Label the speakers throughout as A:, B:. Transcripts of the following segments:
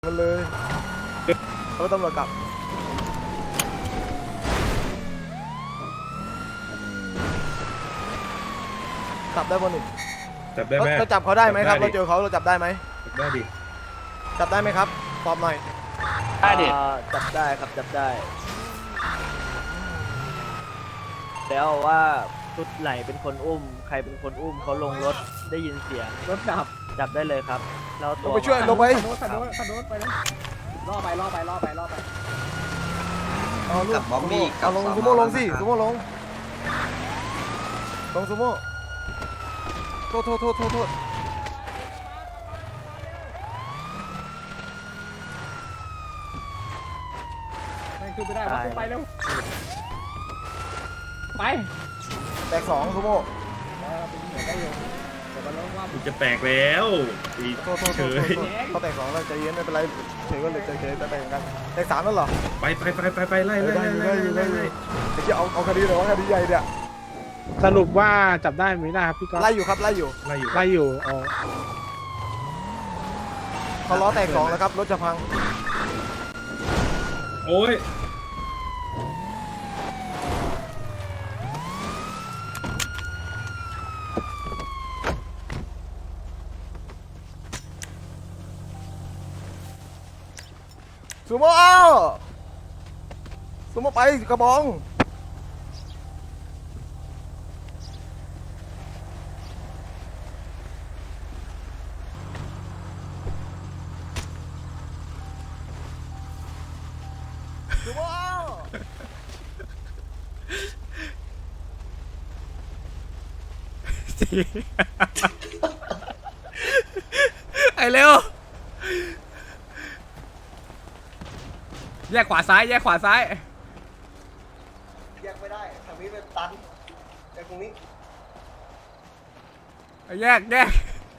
A: มันเลยเขาตำรวจกลับได้บนนี่
B: จับได้ไหม
A: เราจับเขาได้ไหมครับเราเจอเขาเราจับได้ไหม
B: จับได้ดิ
A: จับได้ไหมครับตอบหน่อย
C: ได้ดิ
D: จับได้ครับจับได้แล้วว่าชุดไหนเป็นคนอุ้มใครเป็นคนอุ้มเขาลงรถได้ยินเสียง
C: รถดับ
D: จับได้เลยครับเรา
A: ลงไปช่วยลงไป
C: ขับรถไปเลยล่อไป
A: เอาลูกเอาลงซูโม่ลงสิซูโม่ลงซูโม่โทษ
C: ไม่ขึ้นไม่ได้วะขึ้นไปเร็วไป
A: แตก2ซูโม่
B: มันจะแตกแล้ว
A: โทษเขาแตก2แล้วใจเย็นไม่เป็นไรเฉยก็เลยเฉยแต่แตกกันแตก3แล้วเหรอ
B: ไปไล่
A: ไอ้ที่เอาคดีหรือว่าคดีใหญ่เนี่ย
C: สรุปว่าจับได้ไหมนะครับพี่ก๊อฟ
A: ไล่อยู่ครับไล่อยู่
C: อ๋อ
A: เขาล้อแตก2แล้วครับรถจะพัง
B: โอ้ย
A: ซูโม่ไปกระบองซูโม่
E: ไอ้เร็วแยกขวาซ้ายแยก
A: ไม่ได้ทางนี้เป็นตันแต่ตรงนี้
E: แยก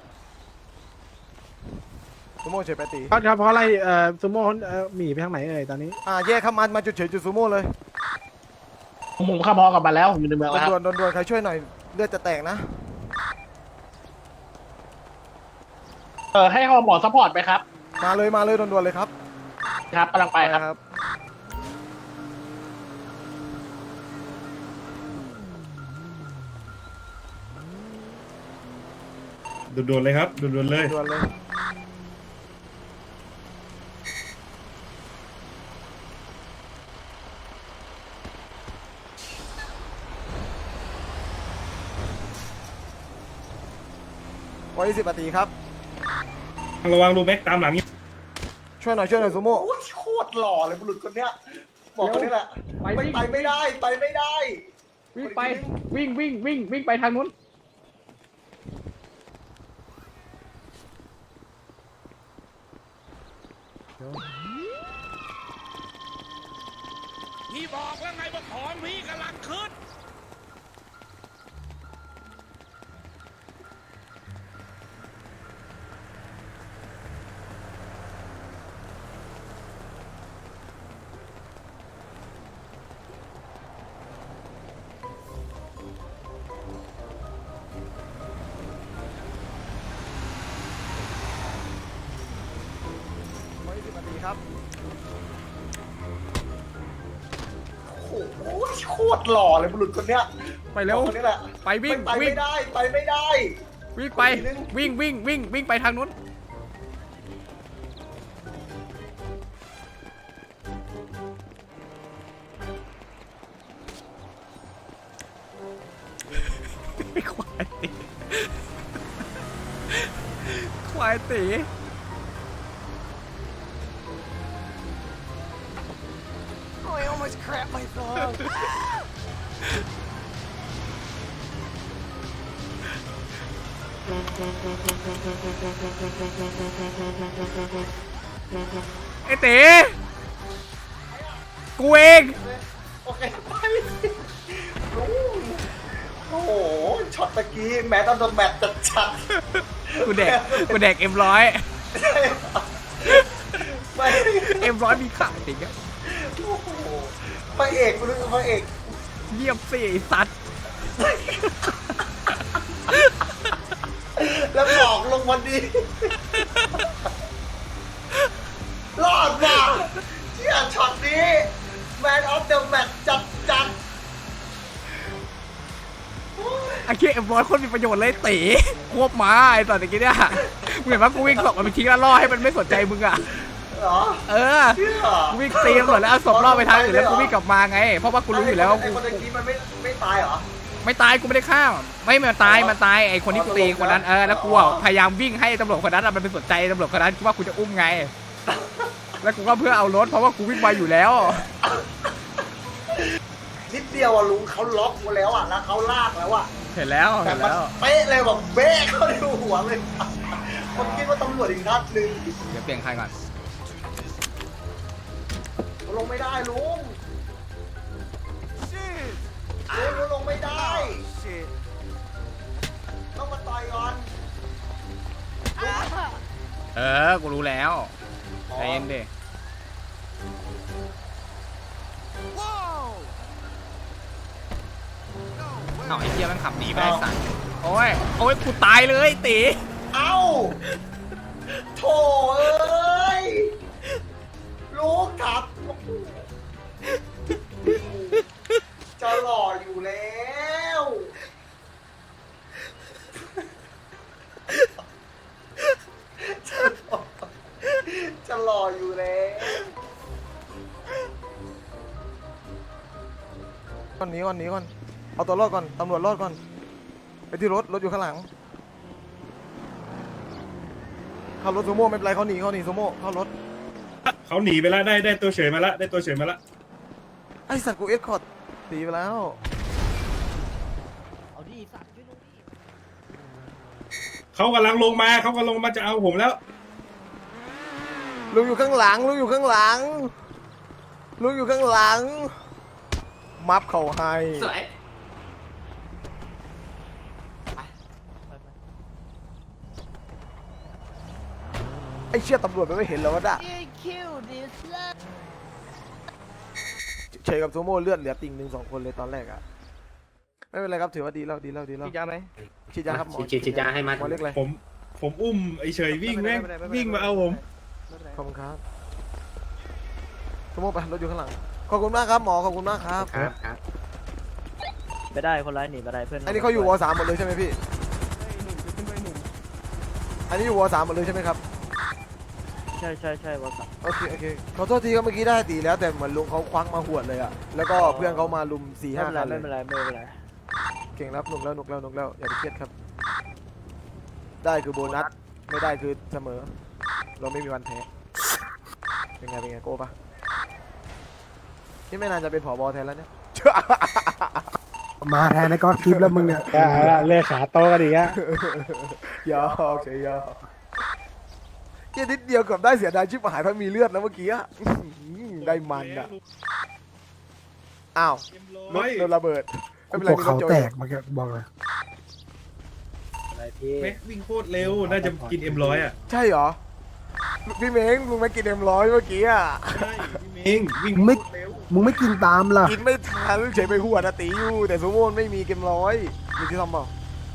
A: ซูโม่เฉยไปตี
C: เพราะอะไรซูโม่หนีไปทางไหนตอนนี้
A: แยกเข้ามาจุดเฉยจุดซูโม่เลย
C: ผมขับพอกับมาแล้วผมอยู่ในเมืองแล้ว
A: โดนใครช่วยหน่อยเลือดจะแตกนะ
C: ให้หมอซัพพอร์ตไปครับ
A: มาเลยด่วนเลยครับ
C: ครับกำลังไปครับ
B: ด่วนเลยครับด่วนเลย
A: 10 นาทีครับ
B: ระวังรูแม็กตามหลังนี่
A: ช่วยหน่อยซูโม่
F: โคตรหล่อเลยบุรุษคนเนี้ยบอกคนนี้แหละไปไม่ได้
C: วิ่งไปวิ่งไปทางนู้น
E: พี่บอกแล้วไงว่าของพี่กำลังขึ้น
A: 10 นาทีครับ
F: โอ้ยโคตรหล่อเลยบุรุษคนเนี้ย
E: ไปเร็ว
F: คนนี้แหละ
E: ไปวิ่ง
F: ไม่ได้
E: วิ่งไปวิ่งไปทางนู้นควายตี
A: I almost crap myself
E: ไอ้เต๋กูเอง
F: โอเคไปโอ้โหช็อตตะกี้แม้ตอนโดนแมตจัด
E: กูแดกM100M100มีขาจริงอะ
F: พระเอกคุณรู้พระเอก
E: เยี่ยมสิไอ้สัตว์
F: แล้วบอกลงวันดี
E: หี้ยM100คนมีประโยชน์เลยตีควบม้าไอ้ตอนเมื่อกี้เนี่ยมึงเห็นปะกูวิ่งศพมันไปทิ้งแล้วล่อให้มันไม่สนใจมึงอ่ะ
F: เหรอ
E: เออ
F: เชื่อ
E: กูวิ่งตีตำรวจแล้วเอาศพล่อไปทางอื่นแล้วกูวิ่งกลับมาไงเพราะว่ากูรู้อยู่แล้วว่า
F: ไอ้
E: กู
F: คนตะกี้มันไม่ตายเหรอ
E: ไม่ตายกูไม่ได้ฆ่าไม่มันตายไอ้คนที่กูตีคนนั้นแล้วกูพยายามวิ่งให้ตำรวจคนนั้นมันเป็นสนใจตำรวจคนนั้นคิดว่ากูจะอุ้มไงแล้วกูก็เพื่อเอารถเพราะว่ากูวิ่งมาอยู่แล้ว
F: นิดเดียวอะลุงเขาล็อกมาแล้วอะแล้วเขาลากแล้วอะ
E: เห็นแล้ว
F: แต่
E: เห็น
F: มัน
E: แล้ว
F: เป๊ะเลยแบบเบ๊ะเข้าในหัวเลยผมคิดว่าตำรวจอีกนัดหนึ่ง
E: เดี๋ยวเปลี่ยนใครก่อน
F: ลงไม่ได้ลุงลุงลงไม่ได้ ต้องมาต่อยก่อน
E: กูรู้แล้วใจเย็นดิเอาไอ้เหี้ยมันขับหนีไปไอ้สัตว์โอ้ยกูตายเลยตี
F: เอ้าโถเอ้ยลูกขับจะหล่ออยู่แล้วจะหล่ออยู่แล้ว
A: ก่อนหนีก่อนเอาตัวรอดก่อนตำรวจรอดก่อนไปที่รถอยู่ข้างหลังขับรถซูโม่ไม่เป็นไรเขาหนีซูโม่เข้ารถ
B: เขาหนีไปแล้วได้ตัวเฉยมาละได้ตัวเฉยมาละ
A: ไอ้สัตว์กูเอ็ดคอร์ดตีไปแล้ว
D: เอาดิสัตว์ช่วยลุงดิ
B: เขากำลังลงมาจะเอาผมแล้ว
A: ลุงอยู่ข้างหลังมัฟเข่าให้ไอ้เชี่ยตำรวจมันไม่เห็นแล้ววะด่ะเฉยกับซูโม่เลือดเหลือติ่ง1-2 คนเลยตอนแรกอะไม่เป็นไรครับถือว่าดีแล้ว
D: ฉีดยาไหม
A: ฉีดยาครับหมอ
G: ฉีดยาให้มัน
A: หมอเล็กเลย
B: ผมอุ้มไอ้เฉยวิ่งแม่งวิ่งมาเอาผม
A: ขอบคุณครับซูโม่ไปรถอยู่ข้างหลังขอบคุณมากครับหมอขอบคุณมากครับ
G: ครับ
D: ไปได้คนร้ายหนีไปได้เพื่อน
A: อันนี้เขาอยู่ว.3 หมดเลยใช่ไหมพี่อันนี้อยู่ว.3 หมดเลยใช่ไหมครับ
D: ใช่วอสับ
A: โอเคขอโทษทีครับเมื่อกี้ได้ตีแล้วแต่เหมือนลุงเขาควักมาหวดเลยอะแล้วก็เพื่อนเขามาลุม 4-5 คันเลย
D: ไม่เป็นไร
A: เก่งรับหนุกแล้วอย่าไปเครียดครับได้คือโบนัสไม่ได้คือเสมอเราไม่มีวันแพ้เป็นไงโก้ปะที่ไม่นานจะเป็นผบ.แทนแล้วเนี่ย
H: มาแทนในก้อนคลิปแล้วมึงเนี่ยเลือขาโตกันอีกอะ
A: ยอกเฉยยอกแค่นิดเดียวเกือบได้เสียดายชิบหายเพราะมีเลือดแล้วเมื่อกี้อะได้มันอะอ้าวรถโดนระเบิดไม่เป็นไร
H: พวก
A: มีร
H: เขา
A: ถโจ
H: แต
A: ย
H: กมาแกบอกเลย
G: อะไรพี่
B: แม็กวิ่งโคตรเร็วน่าจะกินM100อ่ะ
A: ใช่เหรอพี่เม้งลุงไม่กินM100เมื่อกี้อะ
B: ใช่พี่เมงวิ่ง
H: มึงไม่
B: โคตรเร็ว
H: มึงไม่กินตามล่ะ
A: กินไม่ทันเฉยไปหัวนาตีอยู่แต่ซูโม่ไม่มีเกมร้อยมีที่ทำเปล่า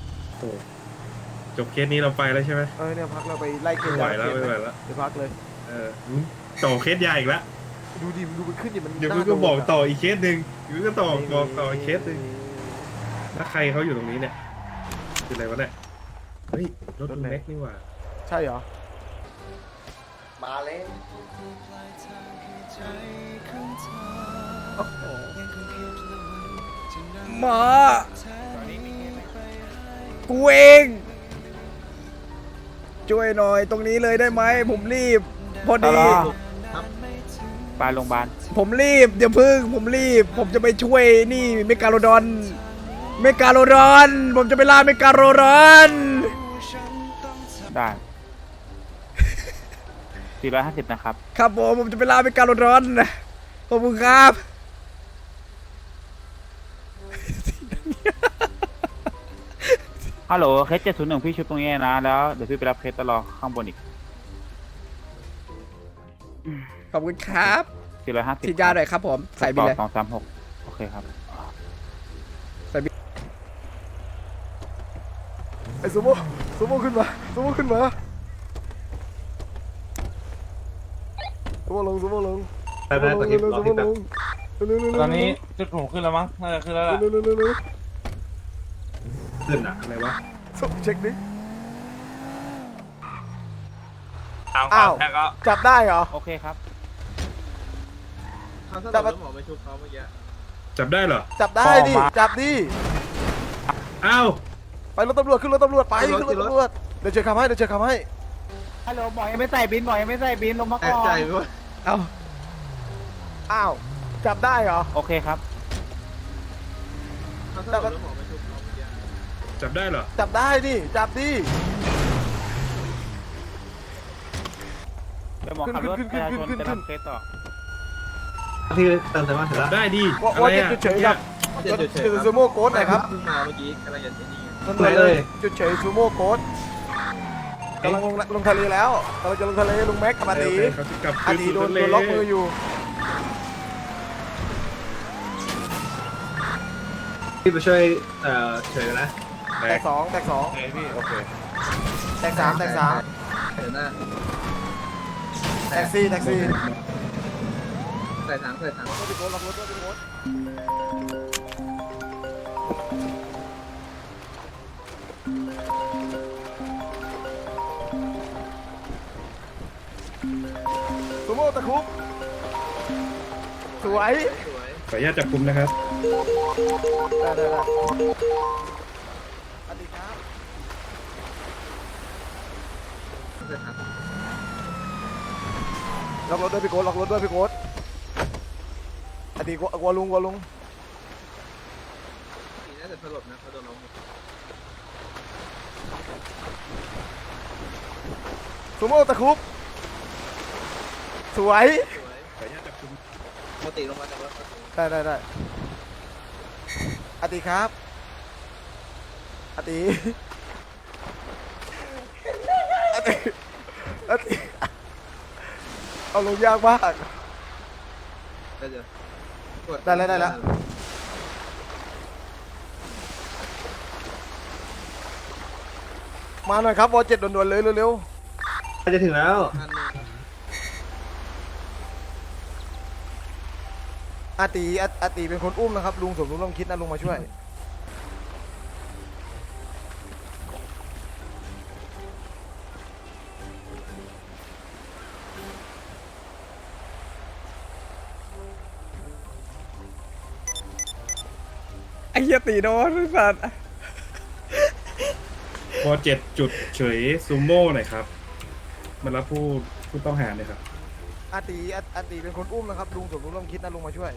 B: จบเคสนี้เราไปแล้วใช่ไหม
A: เนี่ยพักเราไปไล่เก
B: ไม่
A: ม
B: ไหวแล้วไม่ไหวแล้ว
A: เดี๋ยวพักเลย
B: ต่อเคสใหญ่อีกแล้ว
A: ดูดิดูมันขึ้นดิมัน
B: เดี๋ยว
A: น่า
B: ก็บอก
A: โดนะ
B: ต่ออีกเคสหนึ่งเดี๋ยวก็ต่ออีกเคสหนึ่งแล้วใครเขาอยู่ตรงนี้เนี่ยคืออะไรวะเนี่ยเฮ้ยรถลุงแม็กนี่หว่า
A: ใช่เหรอ
F: มาเลย
E: หมอกูเองช่วยหน่อยตรงนี้เลยได้ไหมผมรีบพอดี
C: ไปโรงพยาบาล
E: ผมรีบเดี๋ยวพึ่งผมรีบ ผมจะไปช่วยนี่เมกาโลดอนผมจะไปล่าเมกาโลดอน
C: ได้450นะครับ
E: ครับผมจะไปล่าเมกาโลดอนขอบคุณครับ
C: ฮัลโหลเคส701พี่ชุดตรงนี้นะแล้วเดี๋ยวพี่ไปรับเคสตลอดข้างบนอีก
E: ขอบคุณครับ
C: 450
E: ฉีดยาหน่อยครับผมใส่บินเลย
C: 236โอเคครับ
A: ไอ้ซูโม่ขึ้นมาซูโม่ลง
I: ตอนนี้จุดหมูขึ้นแล้วมั้งน่าจะขึ้นแล้วล่ะ
A: เร็ว
B: ขึ้นอะอะไรวะ
A: ส่งเช็คดิ
C: เอา
A: อ้าว
C: แล้วก็
A: จับได้เหรอ
C: โอเคครับ
A: จับ
B: จับได้เหรอ
A: จับได้ดิ จับดิ
B: อ้าว
A: ไปรถตำรวจขึ้นรถตำรวจไปขึ้นรถตำรวจเดี๋ยวเช็คคำให้เดี๋ยวเช็คคำให้
C: ฮัลโหลบอกยังไม่ใส่บินบอกยังไม่ใส่บินลงมาก่อน
A: เอาอ้าวจับได้เหรอ
C: โอเคครับ
A: จับ
B: จับได้เหรอ
A: จับได้ดิจับดิ
C: เดี๋ยวหมอขับรถประชาชนไปรับเคสต่อ
G: ที่เติมเต็มมาเสร็จแล้ว
B: ได้ดิ
A: ว่า
B: อะไรอะ
A: จุดเฉยๆครับจุดซูโม่โค้ดหน่อยครับ
G: เพิ่งมาเมื่อกี้กำลังจะนี่
A: นั่นเลยจุดเฉยซูโม่โค้ดกำลังลงทะเลแล้วกำลังจะลงทะเลลุงแม็กกับอาตี
B: เขาจะกลับ
A: อา
B: คืน
A: ตี
B: สู่
A: โดน
B: ทะเล
A: ล็อกมืออยู่
G: พี่ไปช่วยเฉยนะ
B: แต
A: แต
B: ก
A: กสองแตกสอง
B: โอเคพี่โอเค
A: แตกสามแตกสาม
G: เดี๋ยวหน้า
A: แตกสี่แตกสี่
G: ใส่ถัง
A: รถไปโค้ดล็อกรถด้วยไปโค้ดซูโม่ตะคุบสวย
B: ขออนุญาตจับกุมนะครับ
A: ได้สวัสดีครับล็อกรถด้วยพี่โค้ดล็อกรถด้วยพี่โค้ดอดีตกลัวลุง
G: น่าจะสลบนะเขาโดนล้ม
A: ซูโม่ตะคุบสวย
B: ขออนุญาตจับกุม
G: ปกติลงมาจากรถ
A: ได้อดีครับอดีเอาลงยากมาก
G: ได้เดี๋ยว
A: ได้แล้วมาหน่อยครับวอ7ด่วนๆเลยเร็ว
G: จะถึงแล้ว
A: ๆอาตีเป็นคนอุ้มนะครับลุงสมรู้ร่วมคิดนะลุงมาช่วย
E: ไอ้เหี้ยตีโดนสัตว์
B: ว7จุดเฉยซูโม่หน่อยครับมารับผู้ต้องหาเลยครับ
A: อาตีเป็นคนอุ้มนะครับลุงสมรู้ร่วมคิดนะลุงมาช่วย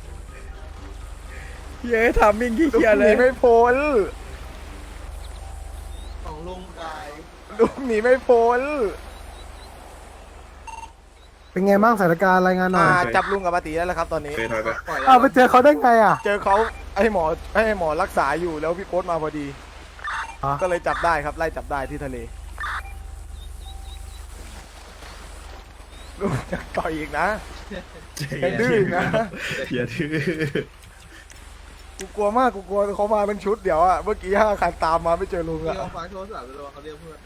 E: เหี้ยทำมิ่งขี้
A: ลุง
E: เกียจ
A: ห
E: เล
A: นี
E: ย
A: ไม่พ้น
F: ของลุงกาย
A: ลุงหนีไม่พ้น
H: เป็นไงบ้างสถานการณ์รายงานหน่อย
A: จับลุงกับอาตีได้แล้วครับตอนนี้
B: เคยถอยไป
H: อ้าวไปเจอเขาได้ไงอ่ะ
A: เจอเขาให้หมอรักษาอยู่แล้วพี่โค้ดมาพอดี
H: อ๋อ
A: ก็เลยจับได้ครับไล่จับได้ที่ทะเลลุงจะต่อยอีกนะ ยังดื้ออีกนะ
B: อย่าดื้อ
A: กูกลัวมากกูกลัวเขามาเป็นชุดเดี๋ยวอะเมื่อกี้5 คันตามมาไม่เจอลุงอะ
G: พี่เอาฟังโทรศัพท์ไปรอเขาเรียกเพื่อน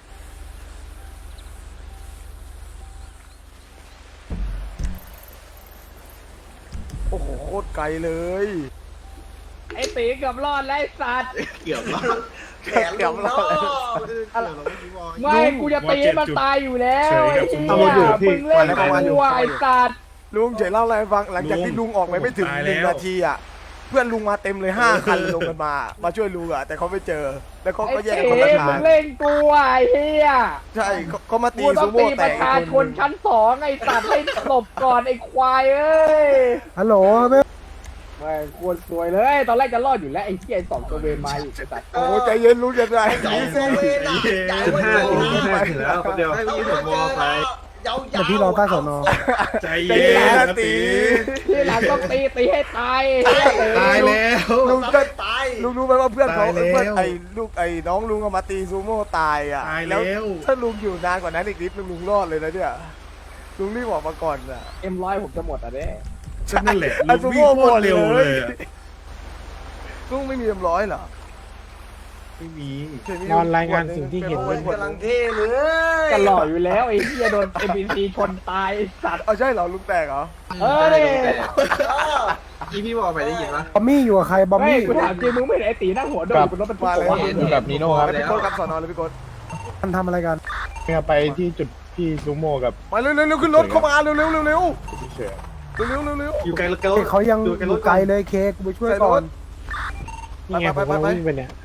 A: โอ้โหโคตรไกลเลย
E: ไอ้ตีเกือบรอดแล้วไอ้สัตว์
G: เกี่ยวมา
F: แขนลุงเนาะ
E: ไม่กูจะตีให้มันตายอยู่แล้ว
B: เฉย
E: ไอ้
B: กับ
E: เหี้
B: ซูโม่
E: ยมึงเล่นกูไอ้สัตว์
A: ลุงเฉยเล่าอะไรให้ฟังหลังจากที่ลุงออกไปไม่ถึง
B: ตายแล้ว
A: 1 นาทีอะเพื่อนลุงมาเต็มเลย5 คันลงกันมาช่วยลุงอะแต่เขาไม่เจอแล้วเขา
E: ไอ้
A: ก็แยก
E: ตี
A: กันคนละ
E: มึ
A: ทาง
E: งเล่นกูไอ้เหี้ย
A: ใช่เขามาตี
E: กูต้อ
A: ซู
E: ง
A: โม่
E: ตี
A: แต
E: ป
A: ก
E: ระชาชนชั้น2ไอ้สัตว์ให้หลบก่อนไอ้ควายเอ้ย
H: ฮัลโหลไม่
E: ไม่ควรสวยเลย ตอนแรกจะรอดอยู่แล้วไอ้เหี้ย2ตัวเวรมาอีกไอ้สัตว์
A: โอ้ใจเย็นลุงจะได้
F: สองโซเวนอ่ะย้าย
G: จุด
F: ไว้
G: ห้า
F: อยู่
G: ถึง5ถึงแล้วคนเดียว
F: เราไม่เจอแล้วยาว
H: เดี๋ยวพี่รอใต้สอนอ
B: ใจ
A: ใจ
B: เย็
A: เย็น
B: น
A: นะ
B: นะ
A: ตี
B: ตี
E: ที่หลังต้องตีให้ตายไอ้เหี้ยเต๋อ
B: ตายแล้ว
A: ลุง
F: ๆ
A: ก็
F: ตาย
A: ลุงรู้ไหมว่าเพื่อนเขา
B: ตายแล้ว
A: เพื่อนไอ้ลูกไอ้น้องลุงเอามาตีซูโม่ตายอ่ะ
B: ตายแล้ว
A: ถ้าลุงอยู่นานกว่านั้นอีกนิดนึงลุงรอดเลยนะเนี่ยลุงรีบออกมาก่อนอ่ะ
E: M100ผมจะหมดอ่ะเด้
B: ก็นั่นแหละ
A: ไอ้
B: ลุง
A: ซู
B: วิ่ง
A: โม่
B: โค
A: หม
B: ต
A: ด
B: ร
A: เล
B: เร็วเลย
A: ย
B: อะ
A: ลุงไม่มีM100เหรอ
B: ไม่มี
A: ใช่มี
H: นอนรายงานสิ่งที่เห็น
A: เป็น
F: กำลังเท่เลย
E: กันหล่ออยู่แล้วไอ้เหี้ยโดน MBC ชนตายไอ้สัตว์
A: เอาใช่เหรอลุงแตกเหรอ
E: เออเนี่ย
F: เออ
G: อีพี่บอกไปได้ยินปะ
H: บอมมี่อยู่กับใครบอม
E: เฮ้ย
H: มี่
E: กูถามจริงมึงไม่เห็นไอ้ตีนั่งหัวโดนบนรถบรรทุก
A: มาเลย
E: วะ
H: อยู่กับนีโน่ครับ
A: พี่โค้ดครับสอนอเลยพี่โค้ด
H: มันทำอะไรกันไปที่จุดพี่ซูโม่กับ
A: มาเร็วเร็วขึ้นรถเข้ามาเร็วเร็วเร็วเร็ว
H: เฉย
A: เร็วเร็วเร็ว
G: อยู่ไกลแล้ว
H: เขายังอยู่ไกลเลยเคกูไปช่วยก่อนนี่ไงผมวิ่งไปเนี่ย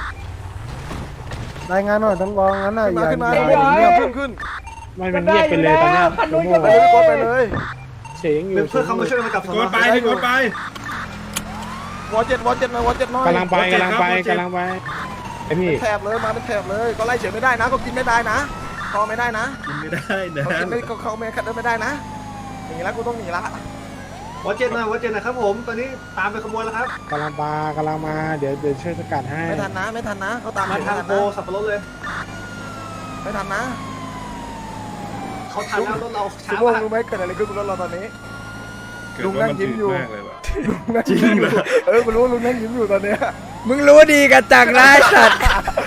H: รายงานหน่อยต้องรองงั้นน่ะ
A: ขึ้นมา
H: อย่า
A: ขึ้นมา
H: อย่า
A: ขึ้น
H: มันเงียบไปเลยตอนเนี้ยซูโม่
A: ไปเลยพี่โค้ดไปเลย
H: เสียงอยู่
G: เพื่อนเขามาช่วยมากับ
B: โกดไปพี่โกดไป
A: วอเจ็ดหน่อยวอเจ็ดหน่อย
H: กำลังไปไอพี่
A: แถบเลยมาเป็นแถบเลยก็ไล่เฉยไม่ได้นะก็กินไม่ได้นะคอไม่ได้นะ
B: กินไม่ได้นะ
A: เขากินไม่เขาไม่ขัดไม่ได้นะอย่างนี้แล้วกูต้องหนีละ
G: วัดเจนนะครับผม ตอนนี้ตามไปขโมยแล้วครับ
H: กำลังมาเดี๋ยวช่วยสกัดให้
A: ไม่ทันนะไม่ทันนะเขาตาม
G: มา
A: ไม่
G: ทาง
A: ทัน
G: โพ
A: นะ
G: สับปะรดเลย
A: ไม่ทันนะ
G: เขาทันแล้วรถเรา
A: คุ
G: ช้า
A: ณวง
G: มาก
A: รู้ไหมเกิดอะไรขึ้นบนรถเราตอนนี้
B: เกิดว่ามันจืดมากเลยว่ะ
A: จริงเหรอกูรู้ลุงนั่งยิ้มอยู่ตอนเนี้ย
D: มึงรู้ดีกันจังนะไอ้สัตว์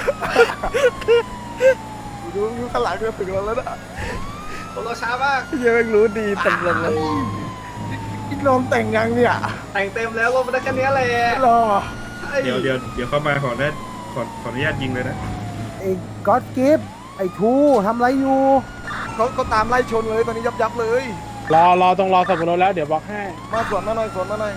A: กูรู้ข้างหลังก็ถึงเราแล้วนะ
G: รถเราช้ามาก
A: ยังไม่รู้ดีตำรวจเลยอีกลมแต่งยังเนี่ย
G: แต่งเต็มแล้วรถมันได้แค่นี้แหละ
A: รอ
B: เดี๋ยวเข้ามาขออนุญาตยิงเลยนะ
H: ไอ้ก็อดกิฟไอ้ทูทำไรอยู่
A: เขาตามไล่ชนเลยตอนนี้ยับเลย
H: รอต้องรอสับปะรดแล้วเดี๋ยวบอกให้
A: มาสวนมาหน่อยสวนมาหน่อย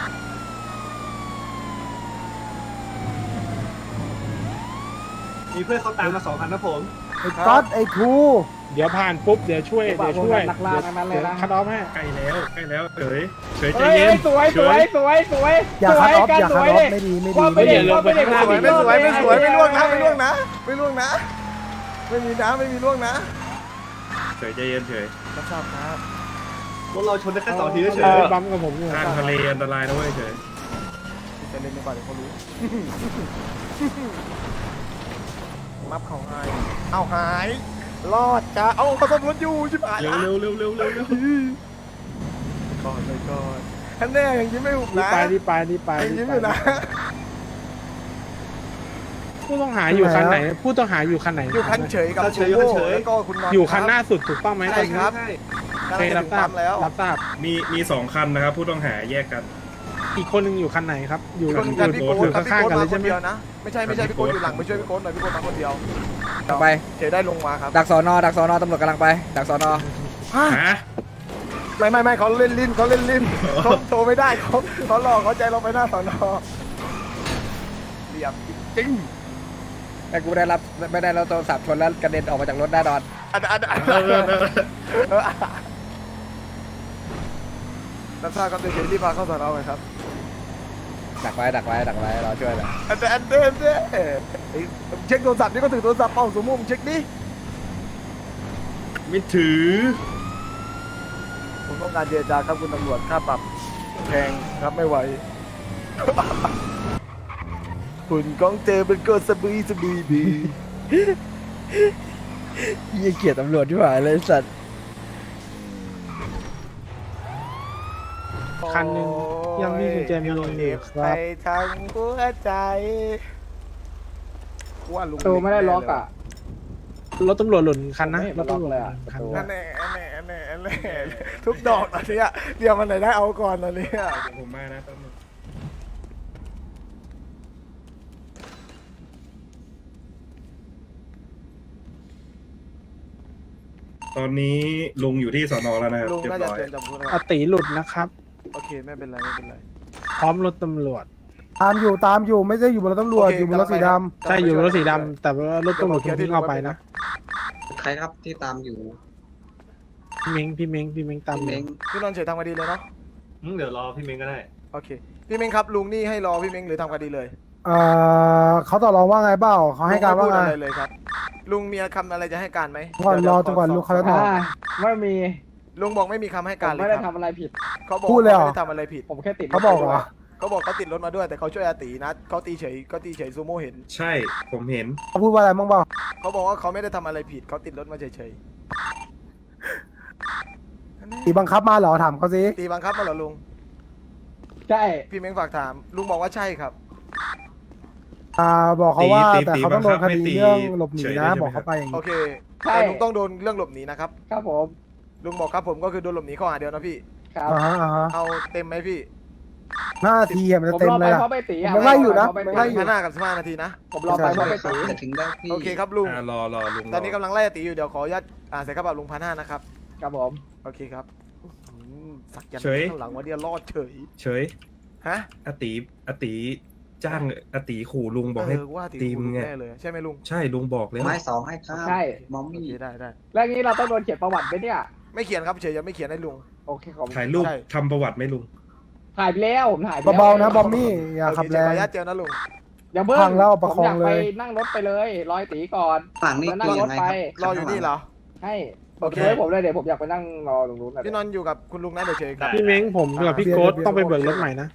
G: มีเพื่อนเขาตามมา2 คันนะผม
H: ไอ้ก๊อตไอ้ทูเดี๋ยวผ่านปุ๊บเดี๋ยวช่วย
E: นักล่าทั้งนั้นเลยนะ
H: คัดออฟให้
B: ใกล้แล้วเฉยใจ
E: เฮ้
B: เย็น
E: ยสวย
H: อย่าคัดออฟอย่าคัดออฟ
E: เลย
H: ไม่ดี
E: ความไม่
H: ไม่
E: ดี
H: ดี
E: ความไม่ดี
A: ไม่สวยไม่ล่วงนะไม่ล่วงนะไม่ล่วงนะไม่มีนะไม่มีล่วงนะ
B: เฉยใจเย็นเฉย
A: รับทราบครับ
G: รถเราชนได้แค่2 ทีเฉย
H: บัมกับผมอยู่
B: ทางทะเลอันตรายนะเว้ยเฉย
A: จะเล่นไม่ก่อนเดี๋ยวเขารู้มัฟเขาหายเอาหายรอดจ้าเอาเขาซ่อมรถอยู่ชิบหาย
B: เร็ว
A: ก่อนเลยก่อนท่านแน่ยังยิ้มไม่หุบ
H: รีบ
A: นะ
H: ไป
A: ยังยิ้มอยู่นะ
H: ผู้ต้องหาอยู่คันไหนผู้ต้องหาอยู่คันไหน
A: อยู่คันเฉยกับซูโม่แล้วก็คุณนอน
H: อยู่คันหน้าสุดถูกต้องไหม
A: ใช่ครับ
H: โอเครับทราบ
A: แล้ว
H: รับทราบ
B: มี2 คันนะครับผู้ต้องหาแยกกัน
H: อีกคนหนึงอยู่คันไหนครับ อยู่
A: คนกันพี่โก้ครับพี่
H: ข้าง
A: โก้
H: ๆกันเล
A: มาย ค
H: ใช่
A: น
H: ไหม
A: เดียวนะไม่ใช่พี่โก้อยู่หลังไปช่วยพี่โก้หน่อยพี่โก้มาคนเดียว
D: ต่อไป
A: เฉยได้ลงมาครับ
D: ดักสอนอตำรวจกำลังไป ดักสอนอ
B: ฮะ
A: ไม่เขาเล่นลิ้นเขาโทรไม่ได้เขาหลอกเขาใจเราไปหน้าสอนอเหลี่ยมจริง
D: แต่กูไม่ได้รับโทรศัพท์ชนแล้วกระเด็นออกมาจากรถแน่นอน
A: อันนักข่าวก็เดี๋ยวรีบพาเข้าสอนอไปครับ
D: ดักไว้รอช่วยเลย
A: อันเดเช็คโทรศัพท์นี่ก็ถือโทรศัพท์เป้าสมมุติเช็คดิ
B: ไม่ถือ
A: ผมต้องการเจรจาครับคุณตำรวจค่าปรับแพงครับไม่ไหว คุณกองเจอเป็นก็สะบีบี
D: ยี่เกียรตำรวจที่หายเลยสัตว์
H: คันหนึ่งยังมีกุญแจมีอยู่
A: ไปทางหัวใจว่าลุง
E: ตัวไม่ได้ล็อกอ่ะ
H: รถตำรวจหล่นคันนะ
E: ไม่ล็อกเลยอะ
H: คัน
A: นั่นแน่ทุกดอกตอนนี้เดี๋ยวมันไหนได้เอาก่อนตอนนี้
B: ผมมานะแป๊บนึงตอนนี้ลุงอยู่ที่สอนอแล้วนะครับ
A: ลุง
B: เรีย
A: น่า
B: บ
A: จะ
B: ร้อย
A: เตือนจำพูด
H: อติหลุดนะครับ
A: โอเคไม่เป็นไร
H: พร้อมรถตำรวจ ตามอยู่ไม่ใช่อยู่บนรถตำรวจอยู่บนรถสีดำใช่อยู่บนรถสีดำแต่ว่ารถตำรวจทิ้งเอาไปนะ
G: ใครครับที่ตามอยู่
H: พี่เม้งตามอยู่
A: พี่นนท์เฉยทำคดีเลยเนาะ
G: เดี๋ยวรอพี่เม้งก็ได้
A: โอเคพี่เม้งครับลุงนี่ให้รอพี่เม้งหรือทำคดีเลย
H: เขาต่อรองว่าไงเปล่าเขาให้การว่าไง
A: ลุม่พูดอะไรเลยครับลุงมีคำอะไรจะให้การไหม
H: ก่อนรอจนกว่าลูกเขาจะตอบ
E: ไม่มี
A: ลุงบอกไม่มีคำให้
E: ผ
A: การ
E: ม
A: เลย
E: ไม่
A: ค
E: ได้
A: รับ
E: ทำอะไรผิด
A: เขาบอก
H: พูดเลยเหรอ
A: ไม่ได้ทำอะไรผิด
E: ผมแค่ติด
H: เขาบอกเหรอ
A: เขาบอกเขาติดรถมาด้วยแต่เขาช่วยอาตีนะเขาตีเฉยซูโม่เห็น
B: ใช่ผมเห็น
H: เขาพูดว่าอะไรบ้างเปล่า
A: เขาบอกว่าเขาไม่ได้ทำอะไรผิดเขาติดรถมาเฉย
H: ตีบังคับมาเหรอถามเขาสิ
A: ๆตีบังคับมาเหรอลุง
E: ใช่
A: พี่เม้งฝากถามลุงบอกว่าใช่ครับ
H: บอกเขาว่า
B: ตี
H: แต่เขาต้องโดนคดี
B: ตี
H: เรื่องหลบหนี
B: เฉย
H: นะ
B: ได้ใช่ไหม
H: บอกเขาไปอย่าง
A: โอ
H: นี้
A: เคแต่ลุงต้องโดนเรื่องหลบหนีนะครับ
E: ครับผม
A: ลุงบอกครับผมก็คือโดนหลบหนีข้อหาเดียวนะพี่
E: ครับ
H: อ่าฮะ
A: เอาเต็มไหมพี่
H: 5 นาทีอะมันจะ
D: ผม
H: เต็ม
D: รอ
H: เล
D: ไป
H: ยอะ
D: เพราะไปตีอะ
H: มันไล่อยู่นะ
D: ผม
H: มันไล่อยู่
A: 15 กับ 15 นาทีนะ
D: ผมรอไปเพราะไปตี
F: จะถึงได้พี่
A: โอเคครับลุง
B: รอลุง
A: ตอนนี้กำลังไล่ตีอยู่เดี๋ยวขออนุญาตใส่กระเป๋าลุง1,500นะครับ
D: ครับผม
A: โอเคครับสักยัน
B: เฉย
A: ข้างหลังว่าเดียวรอดเฉย
B: เฉย
A: ฮะ
B: อติจ้างอติขู่ลุงบอกให้
A: ว่า
B: ตี
A: ตี
B: มึ
A: มึ
B: ง
A: ง
B: ไง
A: แน่เลยใช่ไหมลุง
B: ใช่ลุงบอกแล้ว
F: ไม้2ให้ครับ
D: ใช่
F: มอม
A: โอ
F: มี่
A: เคได้
D: แล้วงี้เราต้องโดนเขียนประวัติไหมเนี่ย
A: ไม่เขียนครับเฉยยังไม่เขียนให้ลุง
D: โอเคขอบคุณ
B: ถ่ายรูป
A: ใช่
B: ทำประวัติไหมลุง
D: ถ่ายไปแล้วผมถ่ายไปแล้ว
H: เบาๆนะบอมมี่อย่า
A: โอ
H: ขับ
A: เค
H: แร
A: ขออง นุญาตเจอนะลุง
D: อย่าเพิ่ง
H: พังแล้วเอาประคอง
D: ผมอยากไป
H: เลย
D: นั่งรถไปเลยรอยตีก่อน
F: ฝั่งนี้
D: แล้วนั่ง
F: คือ
D: ร
F: ยั
D: ถ
F: งไง
D: ไป
F: ครับ
A: รออยู่นี่เหรอ
D: ให้
A: โอเค
D: เดี๋ยวผมเลยเดี๋ยวผมอยากไปนั่งรอตรงนู้นนะ
A: พี่นอนท์อยู่กับคุณลุงนะเดี๋ยวเฉยครับ
H: พี่เม้งผมกับพี่โก๊ตต้องไปเบิกรถใหม่นะ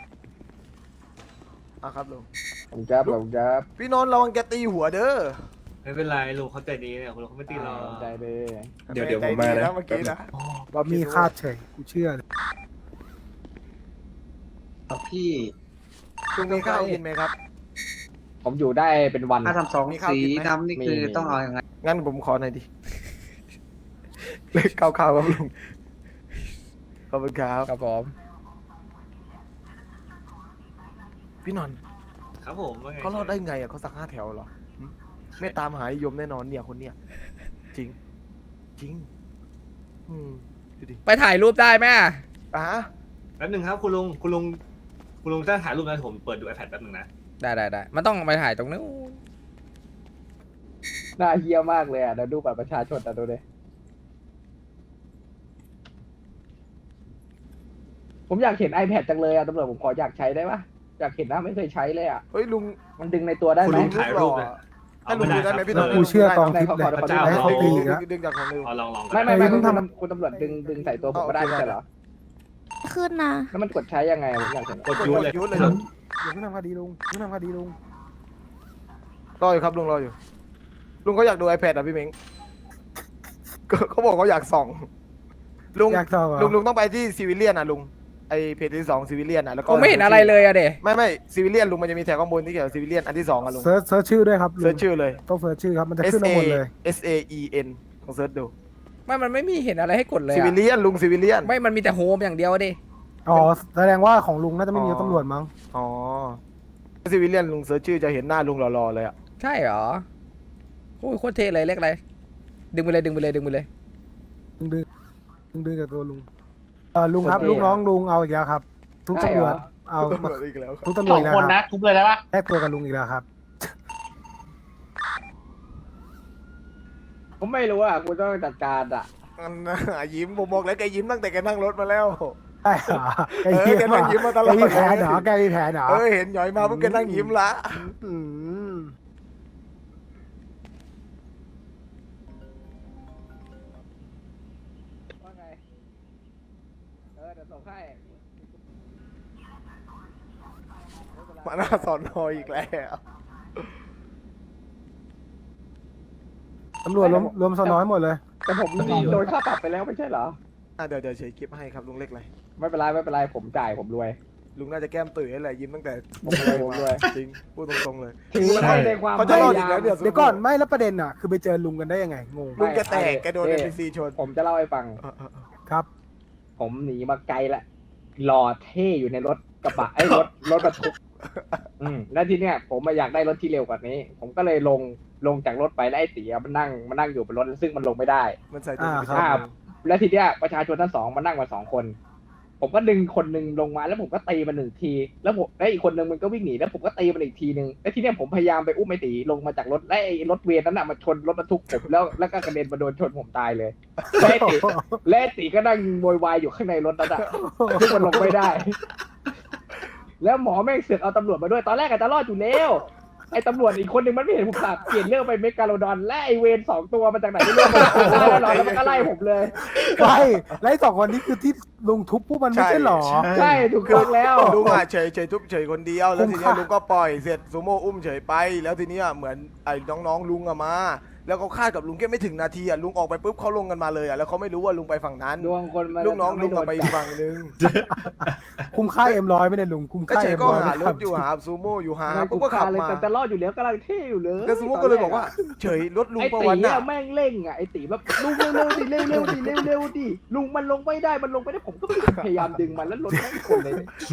A: ครับลุง
D: ผมจะผมจะ
A: พี่นนท์ระวังแกตีหัวเด้อ
G: ไม่เป็นไรลุงเขาใจดีเนี่ยลุงเขาไม่ตีเรา
D: ใจดี
B: เดี๋ยวผมมานะ
A: เมื่อกี้นะ
H: บอมมี่คาดเฉยกูเชื่อเลย
F: ครับพี่
A: ลุงมีข้าวกินไหมครับ
D: ผมอยู่ได้เป็นวัน
F: ถ้าทำสอง
A: มีข้าว
F: สี
A: กินไหม
F: ดำนี่คือ
D: มี
F: ต้องเอายังไง
A: งั้นผมขอหน่อยดิเลขข้าวครับลุงขอบคุณครับ
D: ครับผม
A: พี่นนท์
G: ครับผมว่าไง
A: เขารอดได้ไงอ่ะเขาสัก5 แถวเหรอหึไม่ตามหายยมแน่นอนเนี่ยคนเนี้ยจริง จริง ดูดิ
E: ไปถ่ายรูปได้ไหม
A: อ่ะ
G: แป๊บหนึงครับคุณลุงถ้าถ่ายรูปนะผมเปิดดู iPad แป๊บหนึงนะ
E: ได้มันต้องไปถ่ายตรงนู้น
D: น่าเฮี้ยมากเลยอ่ะเดี๋ยวดูบัตรประชาชนแต่ดูดิผมอยากเห็น iPad จังเลยอ่ะตำรวจผมขออยากใช้ได้ปะอยากเห็นนะไม่เคยใช้เลยอ่ะ
A: เฮ้ยลุง
D: มันดึงในตัวได้
G: คุณ
D: ไหม
G: ลุงถ่ายรูป
A: ห
G: นะ
A: ให้ลุงดูได้ไหมพี่นนท์
H: กูเชื่อกองทิพย์เลย
G: พระเจ้า
H: ให้เขาตีอีกแล้ว
A: ดึงจากของลุง
G: เอาลอง
D: ไม่
H: เฮ้ยมึงทำ
D: คุณตำรวจดึงใส่ตัวผมก็ได้ไม่ใช่เหรอ
I: ขึ้นนะ
D: แล้วมันกดใช้ยังไงผมอยากเห็น
G: กดยูเลย
A: ยุดเลย
H: อย่าเพิ่งทำคดีลุงอย่าเพิ่งทำคดีลุง
A: รออยู่ครับลุงรออยู่ ลุงเขาอยากดู iPad อ่ะพี่เม้งก็เขาบอกเขาอยากส่อง ลุง
H: อยากต่อเหรอ
A: ลุงต้องไปที่ซีวิเลียนอ่ะลุงไอเพจที่2ซีวิเลียนอ่ะแล้วก็
E: ผมไม่เห็นอะไรเลยอะเด
A: ไม่ซีวิเลียนลุงมันจะมีแถบข้างบนที่เกี่ยวกับซีวิเลียนอันที่2อ่ะลุง
H: เซิร์ชชื่อด้วยครับลุ
A: เซิร์
H: ง
A: ชชื่อเลย
H: ต้องเซิร์ชชื่อครับมันจะ
A: S
H: ขึ้นมา
A: A
H: หมดเลย
A: S A E N ของเซิร์ชดู
E: มันไม่มีเห็นอะไรให้กดเลย
A: ซีวิ
E: อะ
A: เลียนลุงซีวิเลียน
E: ไม่มันมีแต่โฮมอย่างเดียวอะดิ
H: อ๋อแสดงว่าของลุงน่าจะไม่มีตำรวจมั้ง
A: อ๋อซีวิเลียนลุงเซิร์ชชื่อจะเห็นหน้าลุงหล่อๆเลยอ่ะ
E: ใช่เหรอโอ้ยโคตรเท่เลยเลขอะไรดึงไปเลย
H: ดึงกับตัวลุงลุงครับลูกน้องลุงเอาอีกแล้วครับ ทุกตำรวจเอา
A: ตำรวจอีกแล้วครับ
H: ทุกตำรวจอีกแล้วครับ
G: ทุบเลยได้ปะ
H: แลกตัวกับลุงอีกแล้วครับ
D: ผมไม่รู้อ่ะคุณต้องจัดการอ่ะ
A: อันน่ะยิ้มผมบอกแล้วแกยิ้มตั้งแต่แกนั่งรถมาแล้ว
H: ใช่เหรอแก
A: เออ
H: ยิ้ม
A: แกนั่งยิ้มมาตลอด
H: แกมีแผลเหรอแกมีแผลเหรอ
A: เห็นหย่อยมาปุ๊บแกนั่งยิ้มละ
H: อืม
D: ว่าไงเดี๋ยวส่งให้
A: มาหน้าสอนนออีกแล้ว
H: ตำรวจรวมสนอยหมดเลย
D: แต่ผมโดนค่าปรับไปแล้วไม่ใช่เหรอ
A: เดี๋ยวเฉยคลิปให้ครับลุงเล็กเลย
D: ไม่เป็นไรผมจ่ายผมรวย
A: ลุงน่าจะแก้มตื่นอะไรยิ้มตั้งแต่
D: ผมรวย
A: จริงพูดตรงๆเลย
D: ถือว่าให้ในความ
A: เขาจะรอดอีกแล้วเดี๋ยว
H: เดี๋ยวก่อนไม่แล้วประเด็นอ่ะคือไปเจอลุงกันได้ยังไงงง
A: ลุงแกแตกแกโดน NPC ชน
D: ผมจะเล่าให้ฟัง
H: ครับ
D: ผมหนีมาไกลละรอเท่อยู่ในรถกระบะรถบรรทุกแล้วทีเนี้ยผมมาอยากได้รถที่เร็วกว่านี้ ผมก็เลยลงจากรถไปแล้วไอ้ตีมันนั่งอยู่บนรถซึ่งมันลงไม่ได้
A: มันใส่ตัว
D: ครับ แล้วทีเนี้ยประชาชนทั้งสองมานั่งมา2 คน ผมก็ดึงคนหนึ่งลงมาแล้วผมก็ตีมัน1 ที แล้วอีกคนหนึ่งมันก็วิ่งหนีแล้วผมก็ตีมันอีกทีนึงแล้วทีเนี้ยผมพยายามไปอุ้มไอ้ตีลงมาจากรถและไอ้รถเวรนั้นน่ะมาชนรถบรรทุกผมแล้วก็กระเด็นมาโดนชนผมตายเลยและไอ้ตีก็นั่งโวยวายอยู่ข้างในรถนั้นอ่ะซึ่งมันลงไม่ได้ แล้วหมอแม่งเสือกเอาตำรวจมาด้วยตอนแรกอาจจะรอดอยู่แล้วไอ้ตำรวจอีกคนหนึ่งมันไม่เห็นผมขับเปลี่ยนเรื่องไปเมกาโลดอนและไอ้เวร2 ตัวมาจากไหนไม่รู้แล้วมันก็ไล่ผมเลย
H: ไปไล่2 คนนี้คือที่ลุงทุบพวกมันไม่ใช่หรอ
D: ใช่ถูกต้องแล้ว
A: ลุงเฉยทุบเฉยคนเดียวแล้วทีนี้ลุงก็ปล่อยเสร็จซูโม่อุ้มเฉยไป แล้วทีนี้เหมือนไอ้น้องๆลุงมาแล้วเขาคาดกับลุงแค่ไม่ถึงนาทีอ่ะลุงออกไปปุ๊บเขาลงกันมาเลยอ่ะแล้วเขาไม่รู้ว่าลุงไปฝั่งนั้น
D: ดวงคนมัน
A: ลูกน้องลุง
D: โด
A: ก็
D: น
A: ไปอีกฝั่งนึง
H: คุ้มค่าM100ไม่ได้ลุงคุ้ม
A: ก็
H: ค่า
A: เฉยก็
H: M100
A: หารถอยู่หาซูโม่อยู่หา
D: ไม่
A: ปุ๊
D: กู
A: บก็
D: ฆ่า
A: ขับ
D: เลย
A: มา
D: แต่รอดอยู่แล้วกำลังเท่อยู่เลย
A: ก็ซูโม่ก็เลยบอกว่าเฉยรถลุง
D: ไอ้
A: ประ
D: ตี
A: วัน
D: อะ
A: น่ะ
D: แม่งเร่งอะไอ้ตีแบบลุงเร็วๆดิเร็วๆดิเร็วๆดิลุงมันลงไม่ได้มันลงไม่ได้ผมก็พยายามดึงมันแล้วรถแม่งคนเลย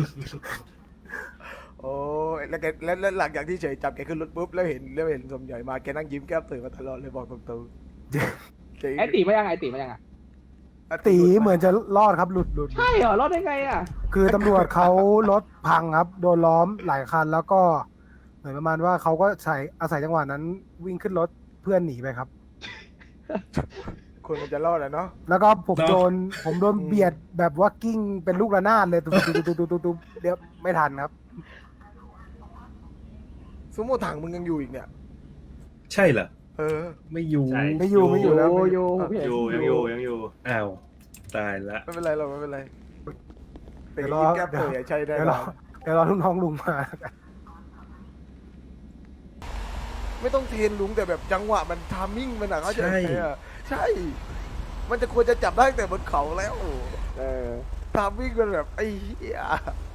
A: โอ้ยแล้วแกแล้วหลังจากที่เฉยจับแกขึ้นรถปุ๊บแล้วเห็นสมใหญ่มาแกนั่งยิ้มแก้มตื่นมาตลอดเลยบอกตรงๆเจ๋ง
D: ไอ้ตีมายังไอ้ตีมายังอะ
H: ตีเหมือนจะรอดครับหลุด
D: ใช่เหรอรอดได้ไงอะ
H: คือตำรวจเขารถพังครับโดนล้อมหลายคันแล้วก็เหมือนประมาณว่าเขาก็อาศัยจังหวะนั้นวิ่งขึ้นรถเพื่อนหนีไปครับ
A: คนมันจะรอดอะเนาะ
H: แล้วก็ผมโดนเบียดแบบว่ากิ้งเป็นลูกระนาดเลยตุ๊บเดี๋ยวไม่ทันครับ
A: ซูโม่ถังมึงยังอยู่อีกเนี่ย
B: ใช่เหรอ
A: เออ
B: ไม่อยู่
G: ใช่
H: ไม่อยู่แล้ว
D: โย
G: อยู่ยังอยู่
B: อ้าวตายละ
A: ไม่เป็นไรหรอกไม่เป็นไร
H: เดี๋
A: ตี
H: ยวรอ
A: ยิ้มแก้มตื่นใช่ได้
H: เดี๋ยว
A: ห
H: ร
A: ร
H: อ
A: อ
H: เดี๋ยวรอลูกน้องลุงมา
A: ไม่ต้องเทียนลุงแต่แบบจังหวะมันทามมิ่งมันอะเขาใจไหมอะใช่ มันจะควรจะจับได้ตั้งแต่บนเขาแล้ว
D: เออ
A: ทามมิ่งมันแบบไอ้เหี้ย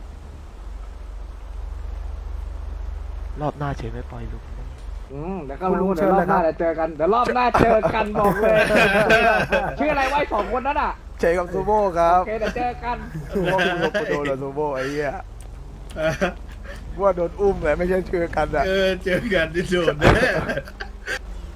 A: รอบหน้าเฉยไม่ปล่อยลุง
D: แล้วก็รู้เดี๋ยวรอบหน้าจะเจอกันเดี๋ยวรอบหน้าเจอกันบอกเลยชื่ออะไรไว้สองคนนั้นอ่ะ
A: เฉยกับซูโม่ครับ
D: โอเคเดี๋ยวเจอกัน
A: ซูโม่กูลงกูโดนแล้วซูโม่ไอ้เหี้ยว่าโดนอุ้มเลยไม่ใช่เชื่อกันอะ
B: เจอกันที่โดนแน่